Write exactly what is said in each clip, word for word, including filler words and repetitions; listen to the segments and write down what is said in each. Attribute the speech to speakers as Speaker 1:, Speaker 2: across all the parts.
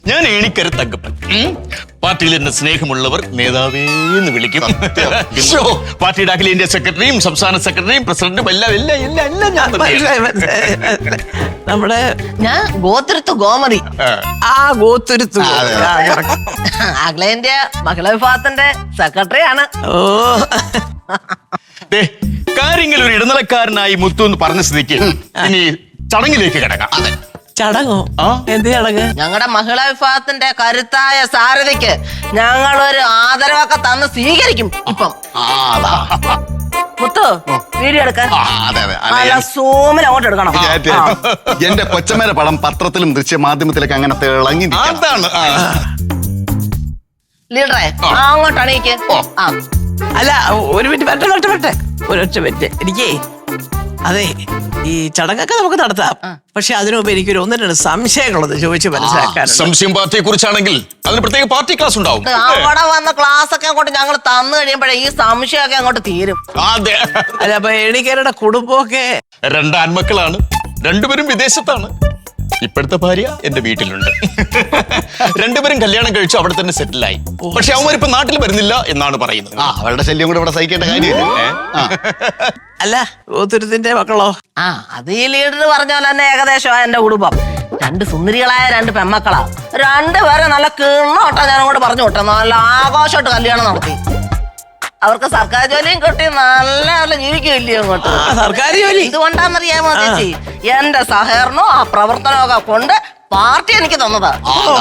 Speaker 1: ഞാൻ ഏണിക്കര തങ്കപ്പൻ. പാർട്ടിയിൽ എന്നെ സ്നേഹമുള്ളവർ നേതാവേ എന്ന് വിളിക്കും. പാർട്ടിയുടെ അഖിലേന്ത്യാ സെക്രട്ടറിയും സംസ്ഥാന സെക്രട്ടറിയും പ്രസിഡന്റും എല്ലാം എല്ലാം എല്ലാം എല്ലാം ഞാൻ
Speaker 2: നമ്മുടെ
Speaker 3: ഞാൻ ഗോത്രത്ത് ഗോമതി.
Speaker 2: ആ ഗോത്തുരുത്തു
Speaker 3: അഖിലേന്ത്യാ മഹിളാ വിഭാഗത്തിന്റെ സെക്രട്ടറിയാണ്.
Speaker 2: ഓ
Speaker 1: കാര്യങ്ങൾ ഒരു ഇടനിലക്കാരനായി മുത്തു എന്ന് പറഞ്ഞ സ്ഥിതിക്ക് ഇനി ചടങ്ങിലേക്ക് കിടക്കാം.
Speaker 2: ചടങ്ങോ? എന്ത് ചടങ്ങ്?
Speaker 3: ഞങ്ങളുടെ മഹിളാ വിഭാഗത്തിന്റെ കരുത്തായ സാരഥിക്ക് ഞങ്ങളൊരു ആദരവൊക്കെ തന്ന് സ്വീകരിക്കും. ഇപ്പം മുത്തു വീഡിയോ എടുക്കാൻ നല്ല സൂമിൽ അങ്ങോട്ട് എടുക്കണം.
Speaker 4: എന്റെ കൊച്ചമ്മേരെ പടം പത്രത്തിലും ദൃശ്യമാധ്യമത്തിലൊക്കെ അങ്ങനെ തിളങ്ങി.
Speaker 3: ലീഡറെ അങ്ങോട്ട് അണീക്ക്. ആ
Speaker 2: അല്ല ഒരു മിനിറ്റ് പറ്റ പറ്റ പറ്റേ ഒരൊറ്റ മിനിറ്റ്. എനിക്കേ അതെ ഈ ചടങ്ങൊക്കെ നമുക്ക് നടത്താം, പക്ഷെ അതിനുമുമ്പ് എനിക്കൊരു ഒന്ന് രണ്ട് സംശയങ്ങളൊന്ന് ചോദിച്ചു മനസ്സിലാക്കാൻ.
Speaker 1: സംശയം പാർട്ടിയെ കുറിച്ചാണെങ്കിൽ അതിന് പ്രത്യേക പാർട്ടി ക്ലാസ് ഉണ്ടാവും.
Speaker 3: അവിടെ വന്ന ക്ലാസ് ഒക്കെ അങ്ങോട്ട് ഞങ്ങൾ തന്നു കഴിയുമ്പോഴേ ഈ സംശയമൊക്കെ അങ്ങോട്ട് തീരും.
Speaker 1: അതെ.
Speaker 2: അല്ല അപ്പൊ ഏണിക്കരുടെ കുടുംബമൊക്കെ
Speaker 1: രണ്ട് ആൺമക്കളാണ്, രണ്ടുപേരും വിദേശത്താണ്. ഇപ്പോഴത്തെ ഭാര്യ എന്റെ വീട്ടിലുണ്ട്. രണ്ടുപേരും കല്യാണം കഴിച്ചു അവിടെ തന്നെ സെറ്റിലായി. പക്ഷെ അവന്മാരിപ്പോ നാട്ടിൽ വരുന്നില്ല എന്നാണ് പറയുന്നത്.
Speaker 4: ആ അവരുടെ ശല്യം കൂടെ ഇവിടെ സഹിക്കേണ്ട കാര്യമില്ല.
Speaker 2: അല്ല ഗോതുരത്തിന്റെ മക്കളോ?
Speaker 3: ആ അത് ഈ ലീഡർ പറഞ്ഞ പോലെ തന്നെ ഏകദേശം എന്റെ കുടുംബം. രണ്ട് സുന്ദരികളായ രണ്ട് പെമ്മക്കളാ. രണ്ടുപേരെ നല്ല കിണ്ണോട്ടാ ഞാൻ അങ്ങോട്ട് പറഞ്ഞു വിട്ടു. നല്ല ആഘോഷമായിട്ട് കല്യാണം നടത്തി. അവർക്ക് സർക്കാർ ജോലിയും കിട്ടി നല്ല നല്ല ജീവിക്കില്ലയോ അങ്ങോട്ട്.
Speaker 2: സർക്കാർ ജോലി
Speaker 3: ഇതുകൊണ്ടാന്നറിയാമോ ചേച്ചി? എന്റെ സഹകരണവും ആ പ്രവർത്തനമൊക്കെ കൊണ്ട് പാർട്ടി എനിക്ക് തന്നതാ.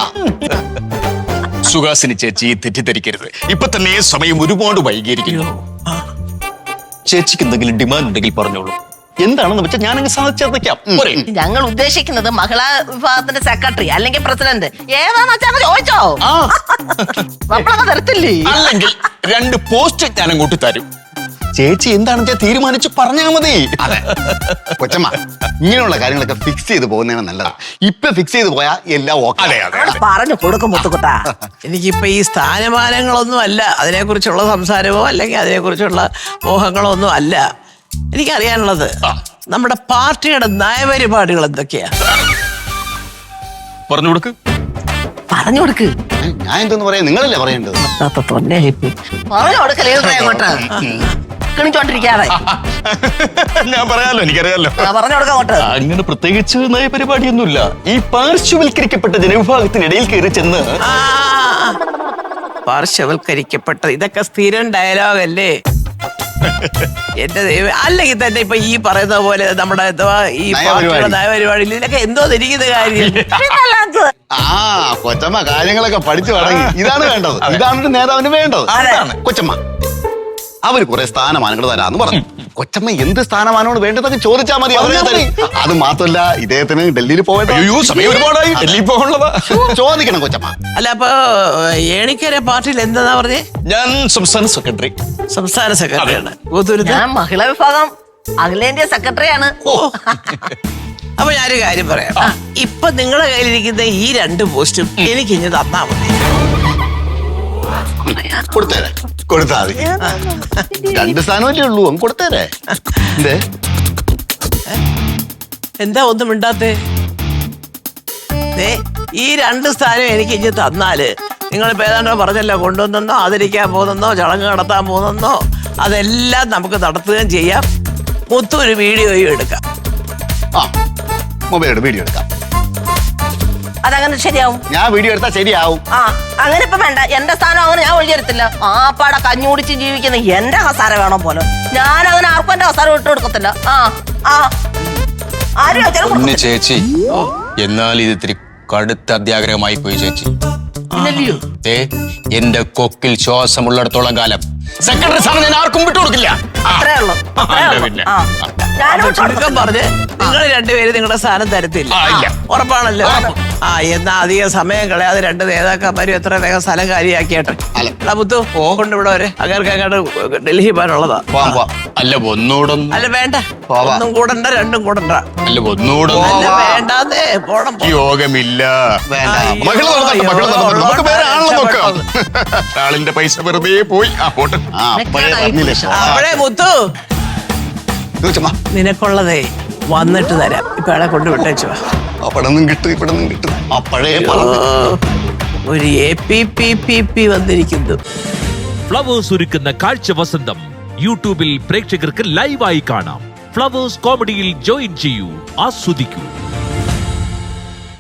Speaker 1: സുഹാസിനി ചേച്ചി തെറ്റിദ്ധരിക്കരുത്. ഇപ്പൊ തന്നെ സമയം ഒരുപാട് വൈകിയിരിക്കുന്നു. ചേച്ചിക്ക് എന്തെങ്കിലും ഡിമാൻഡ് ഉണ്ടെങ്കിൽ പറഞ്ഞോളൂ. എന്താണെന്ന് വെച്ചാൽ ഞാനങ്ങ് സാധിച്ചേക്കാം.
Speaker 3: ഞങ്ങൾ ഉദ്ദേശിക്കുന്നത് മഹിളാ വിഭാഗത്തിന്റെ സെക്രട്ടറി അല്ലെങ്കിൽ പ്രസിഡന്റ് ഏതാന്ന് വെച്ചാൽ ചോദിച്ചോ. നമ്മളൊക്കെ തരത്തില്ലേ?
Speaker 1: അല്ലെങ്കിൽ രണ്ട് പോസ്റ്റ് ഞാൻ അങ്ങോട്ട് തരും. ചേച്ചി എന്താണെന്ന് വെച്ചാൽ തീരുമാനിച്ച് പറഞ്ഞാൽ മതി.
Speaker 4: അതെ കൊച്ചമ്മ, ഇങ്ങനെയുള്ള കാര്യങ്ങളൊക്കെ ഫിക്സ് ചെയ്ത് പോകുന്നതാണ് നല്ലത്. ഇപ്പൊ ഫിക്സ് ചെയ്ത് പോയാൽ എല്ലാം ഓക്കെ.
Speaker 1: അതെ അതെ
Speaker 3: പറഞ്ഞു കൊടുക്കും മുത്തുകുട്ടാ.
Speaker 2: എനിക്കിപ്പോ ഈ സ്ഥാനമാനങ്ങളൊന്നും അല്ല അതിനെ കുറിച്ചുള്ള സംസാരമോ അല്ലെങ്കിൽ അതിനെ കുറിച്ചുള്ള മോഹങ്ങളോ ഒന്നും അല്ല എനിക്കറിയാനുള്ളത്. നമ്മുടെ പാർട്ടിയുടെ നയപരിപാടികൾ എന്തൊക്കെയാ?
Speaker 1: പറഞ്ഞു കൊടുക്ക്.
Speaker 3: പറഞ്ഞു കൊടുക്ക്.
Speaker 4: ഞാൻ എന്തെന്ന് പറയാ, നിങ്ങളല്ലേ പറയേണ്ടത്.
Speaker 3: പറഞ്ഞു കൊടുക്ക ലീഡറെ അങ്ങോട്ട് കിണിച്ചോണ്ടിരിക്കാതെ.
Speaker 1: ഞാൻ പറയാലോ, എനിക്കറിയാലോ.
Speaker 3: പറഞ്ഞു കൊടുക്ക അങ്ങോട്ട്.
Speaker 1: അങ്ങനെ പ്രത്യേകിച്ച് നയപരിപാടിയൊന്നുമില്ല. ഈ പാർശ്വവൽക്കരിക്കപ്പെട്ട ജനവിഭാഗത്തിനിടയിൽ കയറി ചെന്ന്
Speaker 2: പാർശ്വവൽക്കരിക്കപ്പെട്ട ഇതൊക്കെ സ്ഥിരം ഡയലോഗ് അല്ലേ എന്റെ ദൈവം? അല്ലെങ്കിൽ തന്നെ ഇപ്പൊ ഈ പറയുന്ന പോലെ നമ്മുടെ ഈ പാർട്ടിയുടെ നയപരിപാടിയിൽ ഇതിനൊക്കെ എന്തോ ഇരിക്കുന്ന കാര്യം.
Speaker 4: ആ കൊച്ചമ്മ കാര്യങ്ങളൊക്കെ പഠിച്ചു തുടങ്ങി. ഇതാണ് വേണ്ടത്, ഇതാണ് നേതാവിന് വേണ്ടത്. കൊച്ചമ്മ അവര് കുറെ സ്ഥാനമാനങ്ങൾ തരാന്ന് പറഞ്ഞു. കൊച്ചമ്മ എന്ത് സ്ഥാനമാനമാണ് വേണ്ടതൊക്കെ ചോദിച്ചാൽ മതി. അത് മാത്രല്ല ഇദ്ദേഹത്തിന് ഡൽഹിയിൽ പോകേണ്ട
Speaker 1: സമയം ഒരുപാടായി. ഡൽഹിയിൽ പോകാനുള്ളതാ.
Speaker 4: ചോദിക്കണം കൊച്ചമ്മ.
Speaker 2: അല്ല അപ്പൊ ഏണിക്കര പാർട്ടിയിൽ എന്താ പറഞ്ഞേ?
Speaker 1: ഞാൻ സംസ്ഥാന സെക്രട്ടറി.
Speaker 2: സംസ്ഥാന സെക്രട്ടറിയാണ്.
Speaker 3: ഞാൻ മഹിളാ വിഭാഗം അഖിലേന്ത്യാ സെക്രട്ടറിയാണ്.
Speaker 2: അപ്പൊ ഞാനൊരു കാര്യം പറയാം. ഇപ്പൊ നിങ്ങളുടെ കയ്യിലിരിക്കുന്ന ഈ രണ്ട് പോസ്റ്റും എനിക്ക് ഇനി തന്നാ മതി.
Speaker 4: കൊടുത്തേരെ, കൊടുത്താ മതി. രണ്ട് സ്ഥാനമല്ലേ ഉള്ളൂ, അങ്ങ് കൊടുത്തേരെ. എന്തേ
Speaker 2: എന്താ ഒന്നും മിണ്ടാത്തേ? ഈ രണ്ട് സ്ഥാനം എനിക്ക് ഇനി തന്നാല് നിങ്ങളിപ്പോ ഏതാണ്ടോ പറഞ്ഞല്ലോ, കൊണ്ടുവന്നെന്നോ ആദരിക്കാൻ പോകുന്നെന്നോ ചടങ്ങ് നടത്താൻ പോകുന്നെന്നോ അതെല്ലാം നമുക്ക് നടത്തുകയും ചെയ്യാം. മൊത്തം ഒരു വീഡിയോയും എടുക്കാം.
Speaker 4: ആ മൊബൈലോട് വീഡിയോ എടുക്കാം.
Speaker 3: അതങ്ങനെ ശരിയാവും.
Speaker 4: ഞാൻ വീഡിയോ എടുത്താൽ ശരിയാവും.
Speaker 3: ആ അങ്ങനെ ഇപ്പൊ വേണ്ട. എന്റെ സ്ഥാനം അങ്ങനെ ഞാൻ ഒഴിഞ്ഞെടുത്തില്ല. ആ പാടെ കഞ്ഞുകുടിച്ച് ജീവിക്കുന്ന എന്റെ ഹസാര വേണം പോലെ ഞാൻ അങ്ങനെ ആർക്കും എന്റെ ഹസാര വിട്ടു കൊടുക്കത്തില്ല. ആ ആ ആരും
Speaker 1: ചേച്ചി എന്നാൽ ഇത് ഇത്തിരി കടുത്ത അത്യാഗ്രഹമായി പോയി ചേച്ചി. എന്റെ കൊക്കിൽ ശ്വാസമുള്ളിടത്തോളം കാലം സെക്രട്ടറി സ്ഥാനം ഞാൻ ആർക്കും വിട്ടുകൊടുക്കില്ല.
Speaker 3: അത്രേ ഉള്ളൂ.
Speaker 2: ചുരുക്കം പറഞ്ഞ് നിങ്ങൾ രണ്ടുപേരും നിങ്ങളുടെ സ്ഥാനം തരത്തില്ല. ഉറപ്പാണല്ലോ. ആ എന്നാ അധികം സമയം കളയാതെ രണ്ട് നേതാക്കന്മാരും എത്ര വേഗം സ്ഥലം കാര്യമാക്കിയാട്ടെ. മുത്തു കൊണ്ട് ഇവിടെ വരെ അങ്ങേർക്ക് അങ്ങോട്ട് ഡൽഹി പോകാനുള്ളതാ.
Speaker 1: അല്ല ഒന്നുകൂടെ
Speaker 2: അല്ല വേണ്ട, ഒന്നും കൂടണ്ട രണ്ടും കൂടണ്ട.
Speaker 1: അല്ല ഒന്നുകൂടെ
Speaker 2: വേണ്ടാന്നേ. പോണം.
Speaker 1: യോഗമില്ല. ആളിന്റെ പൈസ വെറുതെ പോയി. ആ പോട്ടെ.
Speaker 2: അപ്പോഴേ മുത്തു നിനക്കുള്ളതേ വന്നിട്ട് തരാം ഇപ്പൊ അയാളെ കൊണ്ട് വിട്ടേച്ചു
Speaker 4: അവിടെ നിന്നും കിട്ടും ഇവിടെ നിന്നും കിട്ടും ആ പഴയ പറമ്പ്.
Speaker 2: ഒരു A P P P P വന്നിരിക്കുന്നു.
Speaker 5: ഫ്ലവേഴ്സ് ഒരുക്കുന്ന കാഴ്ച വസന്തം യൂട്യൂബിൽ പ്രേക്ഷകർക്ക് ലൈവായി കാണാം. ഫ്ലവേഴ്സ് കോമഡിയിൽ ജോയിൻ ചെയ്യൂ, ആസ്വദിക്കൂ.